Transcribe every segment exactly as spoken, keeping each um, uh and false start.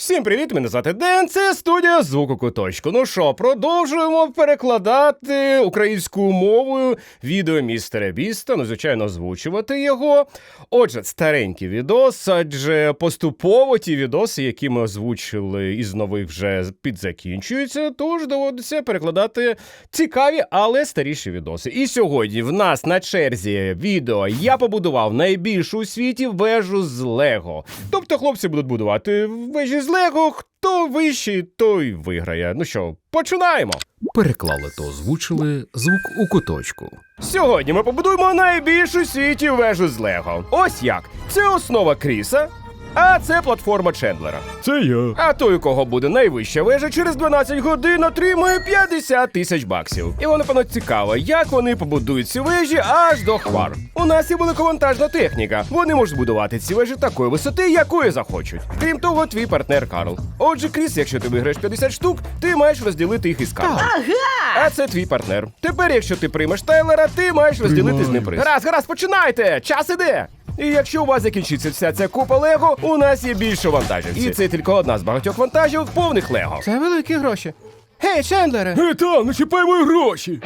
Всім привіт, мене звати Ден, це студія Звук у куточку. Ну що, продовжуємо перекладати українською мовою відео містера Біста, ну, звичайно, озвучувати його. Отже, старенький відос, адже поступово ті відоси, які ми озвучили із нових вже підзакінчуються, тож доводиться перекладати цікаві, але старіші відоси. І сьогодні в нас на черзі відео «Я побудував найбільшу у світі вежу з Лего». Тобто хлопці будуть будувати вежі з Лего, хто вищий, той виграє. Ну що, починаємо! Переклали та озвучили Звук у куточку. Сьогодні ми побудуємо найбільшу у світі вежу з Лего. Ось як. Це основа Кріса, а це платформа Чендлера. Це я. А той, у кого буде найвища вежа, через дванадцять годин отримує п'ятдесят тисяч баксів. І воно, напевно, цікаво, як вони побудують ці вежі аж до хмар. У нас є великовантажна техніка. Вони можуть будувати ці вежі такої висоти, якої захочуть. Крім того, твій партнер Карл. Отже, Кріс, якщо ти виграєш п'ятдесят штук, ти маєш розділити їх із Карлом. Ага! А це твій партнер. Тепер, якщо ти приймеш Тайлера, ти маєш розділити з ним приз. Гаразд, гаразд, починайте! Час іде! І якщо у вас закінчиться вся ця купа Лего, у нас є більше вантажівців. І це тільки одна з багатьох вантажівок повних Лего. Це великі гроші. Гей, Чендлере! Гей, там, не чіпай мої гроші!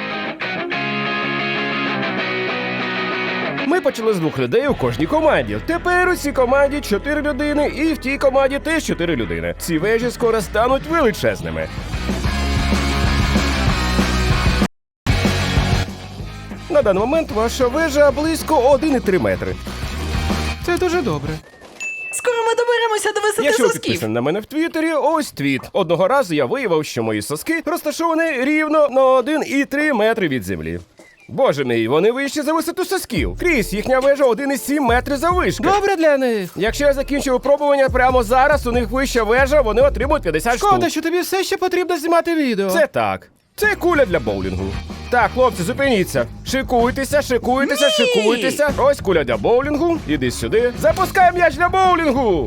Ми почали з двох людей у кожній команді. Тепер у цій команді чотири людини, і в тій команді теж чотири людини. Ці вежі скоро стануть величезними. На даний момент ваша вежа близько один цілих три метри. Це дуже добре. Скоро ми доберемося до висоти Якщо ви сосків. підписані на мене в Твіттері, ось твіт. Одного разу я виявив, що мої соски розташовані рівно на один цілих три метри від землі. Боже мій, вони вищі за висоту сосків. Кріс, їхня вежа один цілих сім метри заввишки. Добре для них. Якщо я закінчу випробування прямо зараз, у них вища вежа, вони отримують п'ятдесят Шкода, штук. що тобі все ще потрібно знімати відео. Це так. Це куля для боулінгу. Так, хлопці, зупиніться. Шикуйтеся, шикуйтеся, Ні! шикуйтеся. Ось куля для боулінгу. Іди сюди. Запускай м'яч для боулінгу.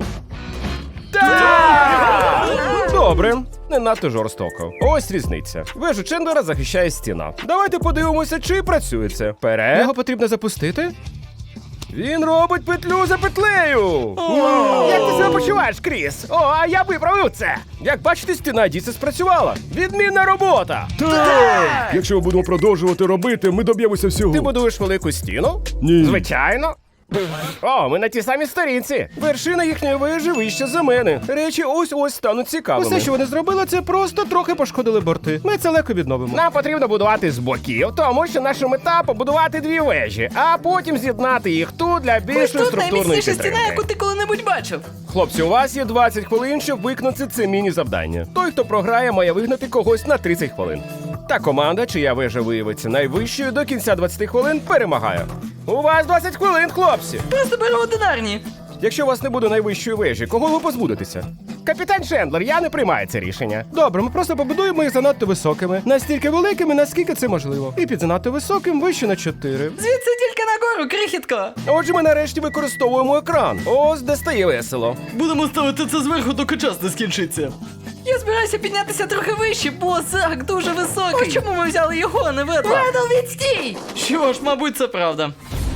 Так! Добре. Не надто жорстоко. Ось різниця. Вежу Чендлера захищає стіна. Давайте подивимося, чи працює це. Вперед. Його потрібно запустити. Він робить петлю за петлею. Як ти себе почуваєш, Кріс? О, а я виправив це. Як бачите, стіна дійсно спрацювала. Відмінна робота. Так! Якщо ми будемо продовжувати робити, ми доб'ємося всього. Ти будуєш велику стіну? Ні. Звичайно. О, ми на тій самій сторінці. Вершина їхньої вежі вища за мене. Речі ось-ось стануть цікавими. Усе, що вони зробили, це просто трохи пошкодили борти. Ми це легко відновимо. Нам потрібно будувати з боків, тому що наша мета – побудувати дві вежі, а потім з'єднати їх тут для Ось більшої тут структурної найміцніша стіна, підтримки. яку ти коли-небудь бачив. Хлопці, у вас є двадцять хвилин, щоб виконати це міні-завдання. Той, хто програє, має вигнати когось на тридцять хвилин. Та команда, чия вежа виявиться найвищою, до кінця двадцяти хвилин перемагає. У вас двадцять хвилин, хлопці! Просто бери одинарні. Якщо у вас не буде найвищої вежі, кого ви позбудетеся? Капітан Чендлер, я не приймаю це рішення. Добре, ми просто побудуємо їх занадто високими. Настільки великими, наскільки це можливо. І під занадто високим вище на чотири. Звідси тільки нагору, крихітко. Отже, ми нарешті використовуємо екран. Ось де стає весело. Будемо ставити це зверху, доки час не скінчиться. Я збираюся піднятися трохи вище, бо Зак дуже високий. Ось чому ми взяли його, а не ведла. Редл, відстій! Що ж, мабуть, це правда.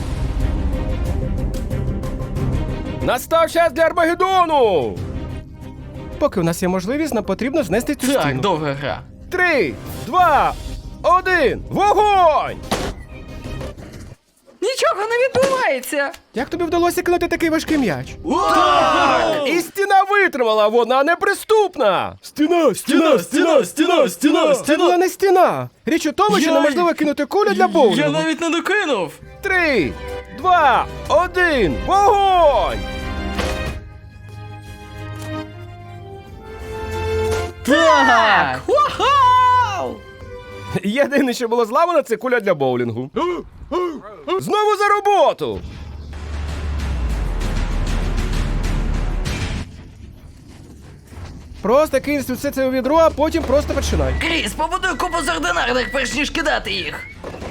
Настав час для Армагеддону! Поки в нас є можливість, нам потрібно знести цю Так, стіну. довга гра. Три, два, один, вогонь! Нічого не відбувається. Як тобі вдалося кинути такий важкий м'яч? І стіна витримала, вона неприступна! Стіна, стіна, стіна, стіна, стіна! Це була не стіна. Річ у тому, що Я- неможливо кинути кулю для боулінгу. Я навіть не докинув. Три, два, один, вогонь! Так! Вау! Єдине, що було зламано, це куля для боулінгу. Знову за роботу! Просто кинь все це у відро, а потім просто починай. Кріс, побудуй купу з ординарних, перш ніж кидати їх.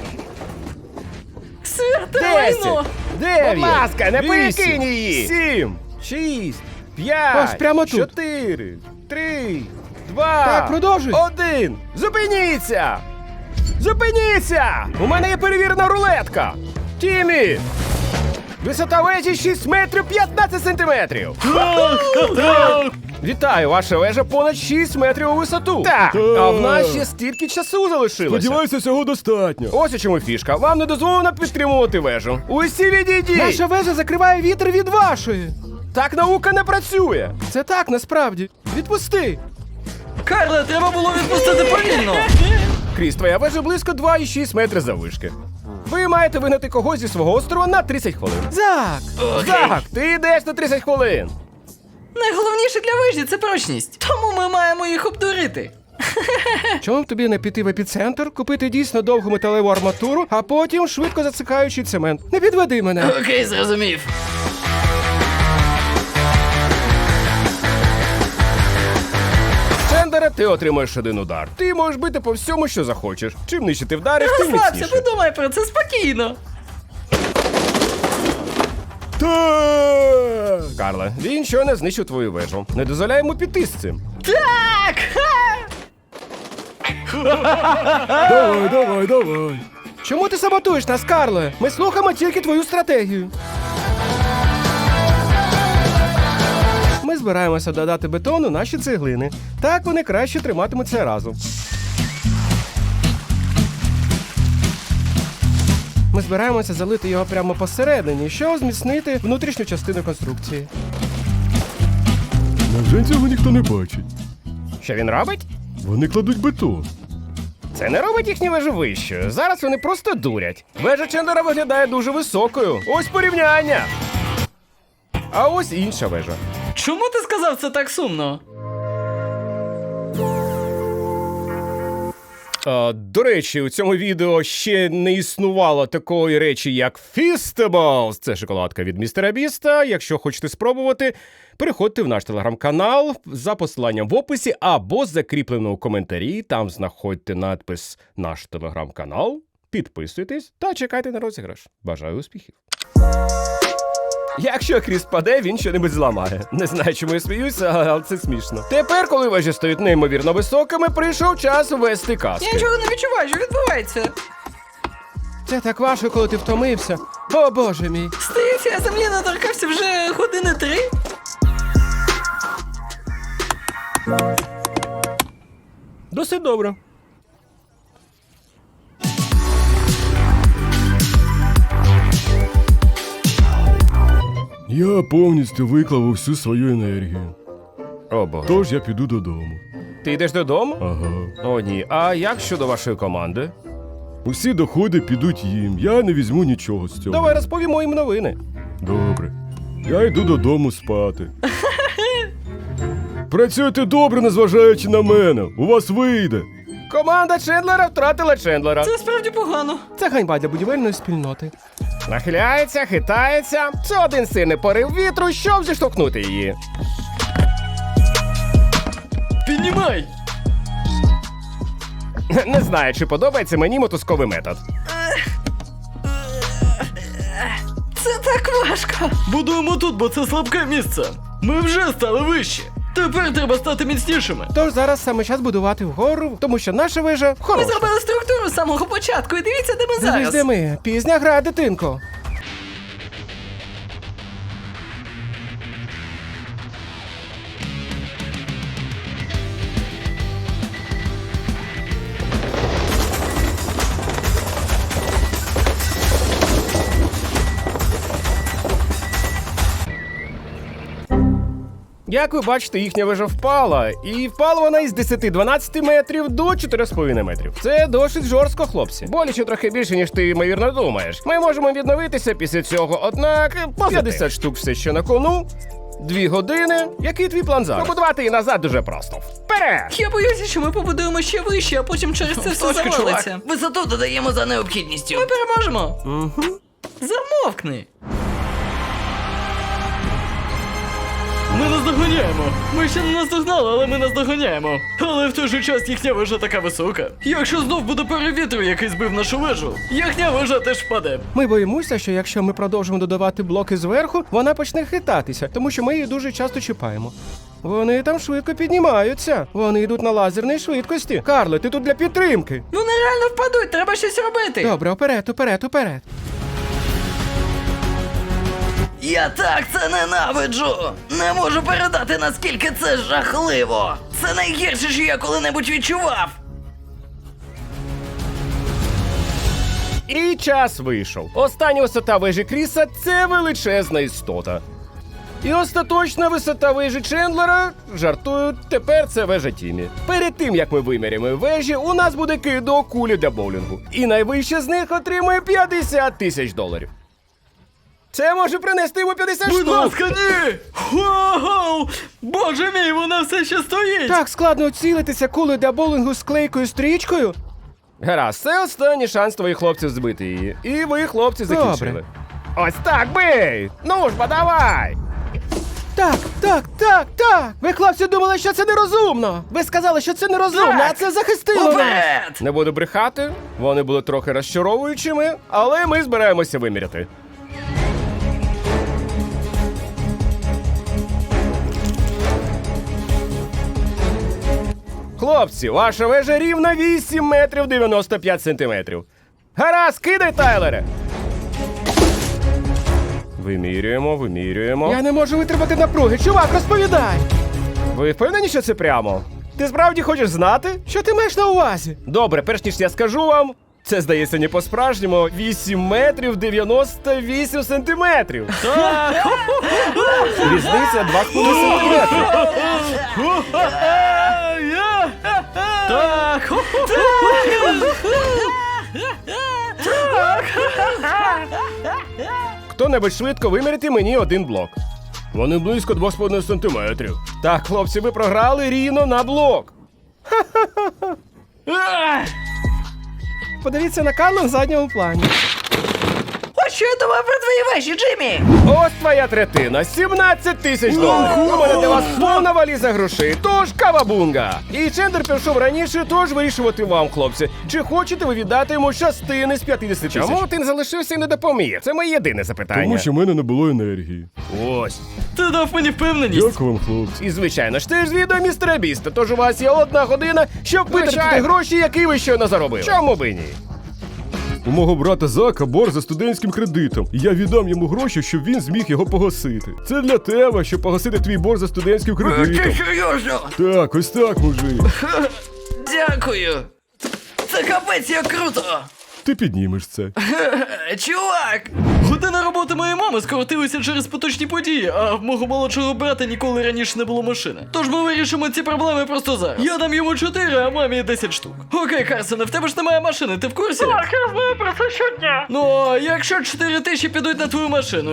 Святе Десять, лайно! дев'ять, будь ласка, не вісім, перекинь її! Сім, шість, п'ять, Ось прямо тут. чотири, три, два, Так, продовжуй. один. Зупиніться! Зупиніться! У мене є перевірена рулетка! Тімі! Висота вежі шість метрів п'ятнадцять сантиметрів! Так! Так! Вітаю, ваша вежа понад шість метрів у висоту. Так, а в нас ще стільки часу залишилося. Сподіваюся, цього достатньо. Ось у чому фішка. Вам не дозволено підтримувати вежу. Усі відійдіть! Наша вежа закриває вітер від вашої. Так наука не працює. Це так, насправді. Відпусти. Карле, треба було відпустити повільно. Кріс, твоя вежа близько два і шість метри заввишки. Ви маєте вигнати когось зі свого острова на тридцять хвилин. Зак! Так, ти йдеш на тридцять хвилин. Найголовніше для вижі це прочність. Тому ми маємо їх обдурити. Чому б тобі не піти в епіцентр, купити дійсно довгу металеву арматуру, а потім швидко засикаючий цемент? Не підведи мене. Окей, зрозумів. Чендера, ти отримаєш один удар. Ти можеш бити по всьому, що захочеш. Чим нижче ти вдариш, тим Розслабся, міцніше. подумай про це спокійно. Так! Карле, він щойно знищив твою вежу. Не дозволяй йому піти з цим. Так! Давай, давай, давай. Чому ти саботуєш нас, Карле? Ми слухаємо тільки твою стратегію. Ми збираємося додати бетону наші цеглини. Так вони краще триматимуться разом. Ми збираємося залити його прямо посередині, щоб зміцнити внутрішню частину конструкції. Невже цього ніхто не бачить? Що він робить? Вони кладуть бетон. Це не робить їхню вежу вищою. Зараз вони просто дурять. Вежа Чендера виглядає дуже високою. Ось порівняння. А ось інша вежа. Чому ти сказав це так сумно? А, до речі, у цьому відео ще не існувало такої речі, як Feastables. Це шоколадка від містера Біста. Якщо хочете спробувати, переходьте в наш телеграм-канал за посиланням в описі або закріплено у коментарі. Там знаходьте надпис «Наш телеграм-канал». Підписуйтесь та чекайте на розіграш. Бажаю успіхів. Якщо Кріс паде, він щонебудь зламає. Не знаю, чому я сміюся, але це смішно. Тепер, коли вежі стають неймовірно високими, прийшов час ввести казки. Я нічого не відчуваю, що відбувається. Це так важко, коли ти втомився. О, Боже мій. Здається, я землі не торкався вже години три. Досить добре. Я повністю виклав усю свою енергію. О, Боже. Тож я піду додому. Ти йдеш додому? Ага. О, ні. А як щодо вашої команди? Усі доходи підуть їм. Я не візьму нічого з цього. Давай розповімо їм новини. Добре. Я йду додому спати. Працюйте добре, незважаючи на мене. У вас вийде. Команда Чендлера втратила Чендлера. Це справді погано. Це ганьба для будівельної спільноти. Нахиляється, хитається. Це один сильний порив вітру, щоб зіштовхнути її. Піднімай! Не знаю, чи подобається мені мотузковий метод. Це так важко. Будуємо тут, бо це слабке місце. Ми вже стали вищі. Тепер треба стати міцнішими. Тож зараз саме час будувати вгору, тому що наша вежа Ми хороша. зробили структуру з самого початку, і дивіться, де ми Дивись, зараз. де ми. Пізня гра, дитинко. Як ви бачите, їхня вежа впала, і впала вона із десять-дванадцять метрів до чотири з половиною метрів. Це досить жорстко, хлопці. Боляче трохи більше, ніж ти, ймовірно, думаєш. Ми можемо відновитися після цього, однак п'ятдесят штук все ще на кону. Дві години. Який твій план зараз? Побудувати її назад дуже просто. Вперед! Я боюся, що ми побудуємо ще вище, а потім через це все Точка, завалиться. Висоту додаємо за необхідністю. Ми переможемо. Угу. Замовкни. Ми наздоганяємо. Ми ще не наздогнали, але ми наздоганяємо. Але в той же час їхня вежа така висока. Якщо знов буде порив вітру, який збив нашу вежу, їхня вежа теж впаде. Ми боїмося, що якщо ми продовжимо додавати блоки зверху, вона почне хитатися, тому що ми її дуже часто чіпаємо. Вони там швидко піднімаються. Вони йдуть на лазерній швидкості. Карле, ти тут для підтримки. Вони реально впадуть, треба щось робити. Добре, уперед, уперед, уперед. Я так це ненавиджу! Не можу передати, наскільки це жахливо! Це найгірше, що я коли-небудь відчував! І час вийшов. Остання висота вежі Кріса – це величезна істота. І остаточна висота вежі Чендлера, жартую, тепер це вежа Тімі. Перед тим, як ми виміряємо вежі, у нас буде кидок кулі для боулінгу. І найвища з них отримує п'ятдесят тисяч доларів. Це може принести йому п'ятдесят Будь штук. ласка, ні! Вау! Боже мій, вона все ще стоїть! Так складно цілитися кулею для боулінгу з клейкою стрічкою. Гаразд, це останній шанс твоїх хлопців збити її. І ви, хлопці, закінчили. Добре. Ось так, бий! Ну ж, бо давай! Так, так, так, так. Ви, хлопці, думали, що це нерозумно. Ви сказали, що це нерозумно, Так. а це захистило нас. Уперед! Не буду брехати, вони були трохи розчаровуючими, але ми збираємося виміряти. Хлопці, ваша вежа рівна вісім метрів дев'яносто п'ять сантиметрів. Гаразд, кидай, Тайлере! Вимірюємо, вимірюємо. Я не можу витримати напруги. Чувак, розповідай. Ви впевнені, що це прямо? Ти справді хочеш знати? Що ти маєш на увазі? Добре, перш ніж я скажу вам, це здається не по-справжньому вісім метрів дев'яносто вісім сантиметрів. Різниця два з половиною сантиметри. Так! Хто-небудь швидко виміряти мені один блок. Вони близько два з половиною сантиметрів. Так, хлопці, ви програли рівно на блок. Подивіться на Карла в задньому плані. Ось що я думаю про твої вежі, Джиммі! Ось твоя третина, сімнадцять тисяч доларів. У мене для вас повна валіза грошей, тож кавабунга. І Чендер пішов раніше, тож вирішувати вам, хлопці. Чи хочете ви віддати йому частини з п'ятдесят тисяч? Чому ти не залишився і не допоміг? Це моє єдине запитання. Тому що в мене не було енергії. Ось. Ти дав мені впевненість! Дякую вам, хлопці. І звичайно ж, ти ж з відео містера Біста, тож у вас є одна година, щоб витратити гроші, які ви щойно заробили. Чому би ні? У мого брата Зака борг за студентським кредитом, і я віддам йому гроші, щоб він зміг його погасити. Це для тебе, щоб погасити твій борг за студентським Ти кредитом. серйозно? Так, ось так, мужик. Дякую! Це капець як круто! Ти піднімеш це. Е, Чувак! Година роботи моєї мами скоротилася через поточні події, а в мого молодшого брата ніколи раніше не було машини. Тож ми вирішимо ці проблеми просто зараз. Я дам йому чотири, а мамі десять штук. Окей, Карсоне, в тебе ж немає машини, ти в курсі? Так, я знаю про це щодня. Ну, а якщо чотири тисячі підуть на твою машину?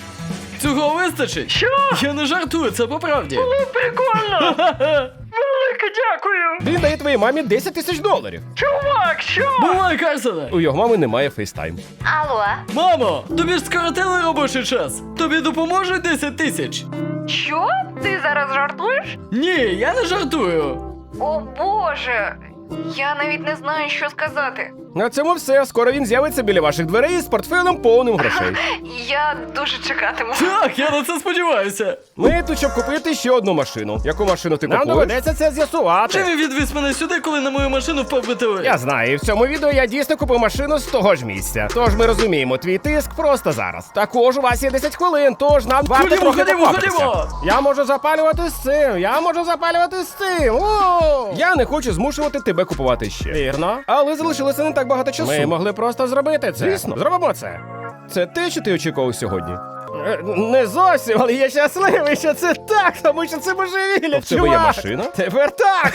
Цього вистачить? Що? Я не жартую, це по правді. Ну, прикольно! Велике дякую! Він дає твоїй мамі десять тисяч доларів. Чувак, що? Бувай, Карсоне! У його мами немає фейстайм. Алло, Мамо, тобі ж скоротили робочий час. Тобі допоможуть десять тисяч? що? Ти зараз жартуєш? Ні, я не жартую. О боже, я навіть не знаю, що сказати. На цьому все. Скоро він з'явиться біля ваших дверей з портфелем повним грошей. Я дуже чекатиму. Так, я на це сподіваюся. Ми тут, щоб купити ще одну машину. Яку машину ти купуєш? Нам доведеться це з'ясувати. Чи він відвіз мене сюди, коли на мою машину впав метеорит? Я знаю, і в цьому відео я дійсно купив машину з того ж місця. Тож ми розуміємо твій тиск просто зараз. Також у вас є десять хвилин, тож нам варто Ходімо, трохи ходімо, поквапитися. ходімо! Я можу запалювати з цим, я можу запалювати з цим. О! Я не хочу змушувати тебе купувати ще. Вірно. Але залишилося не так багато часу. Ми могли просто зробити це. Звісно, зробимо це. Це те, що ти очікував сьогодні? Е, Не зовсім, але я щасливий, що це так, тому що це божевілля, в тебе чувак. є машина? Тепер так.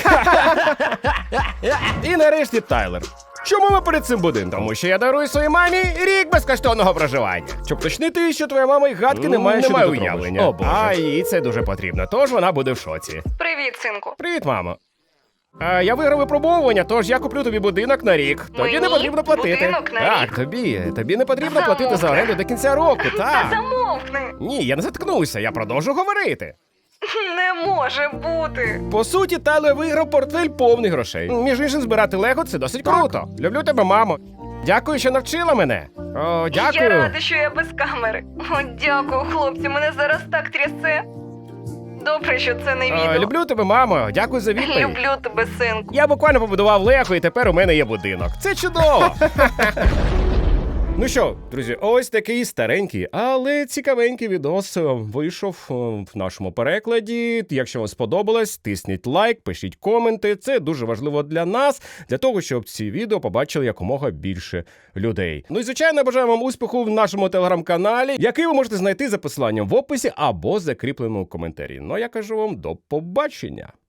І нарешті Тайлер. Чому ми перед цим будинком? Тому що я дарую своїй мамі рік безкоштовного проживання. Щоб уточнити, що твоя мама й гадки не має, немає що ти тут уявлення. робиш. О, Боже. А їй це дуже потрібно, тож вона буде в шоці. Привіт, синку. Привіт, мамо. А, я виграв випробовування, тож я куплю тобі будинок на рік. Тобі Мені? не потрібно платити. Будинок на так, рік? тобі. Тобі не потрібно Замовкни. платити за оренду до кінця року, так. Замовкни. Ні, я не заткнуся, я продовжу говорити. Не може бути. По суті, Тайлер виграв портфель повний грошей. Між іншим, збирати лего це досить круто. Люблю тебе, мамо. Дякую, що навчила мене. О, дякую. Я рада, що я без камери. О, дякую, хлопці, мене зараз так трясе. Добре, що це не О, відео. люблю тебе, мамо. Дякую за відповідь. Люблю тебе, синку. Я буквально побудував лего, і тепер у мене є будинок. Це чудово. Ну що, друзі, ось такий старенький, але цікавенький відос вийшов в нашому перекладі. Якщо вам сподобалось, тисніть лайк, пишіть коменти. Це дуже важливо для нас, для того, щоб ці відео побачили якомога більше людей. Ну і, звичайно, бажаю вам успіху в нашому телеграм-каналі, який ви можете знайти за посиланням в описі або закріпленому коментарі. Ну а я кажу вам до побачення.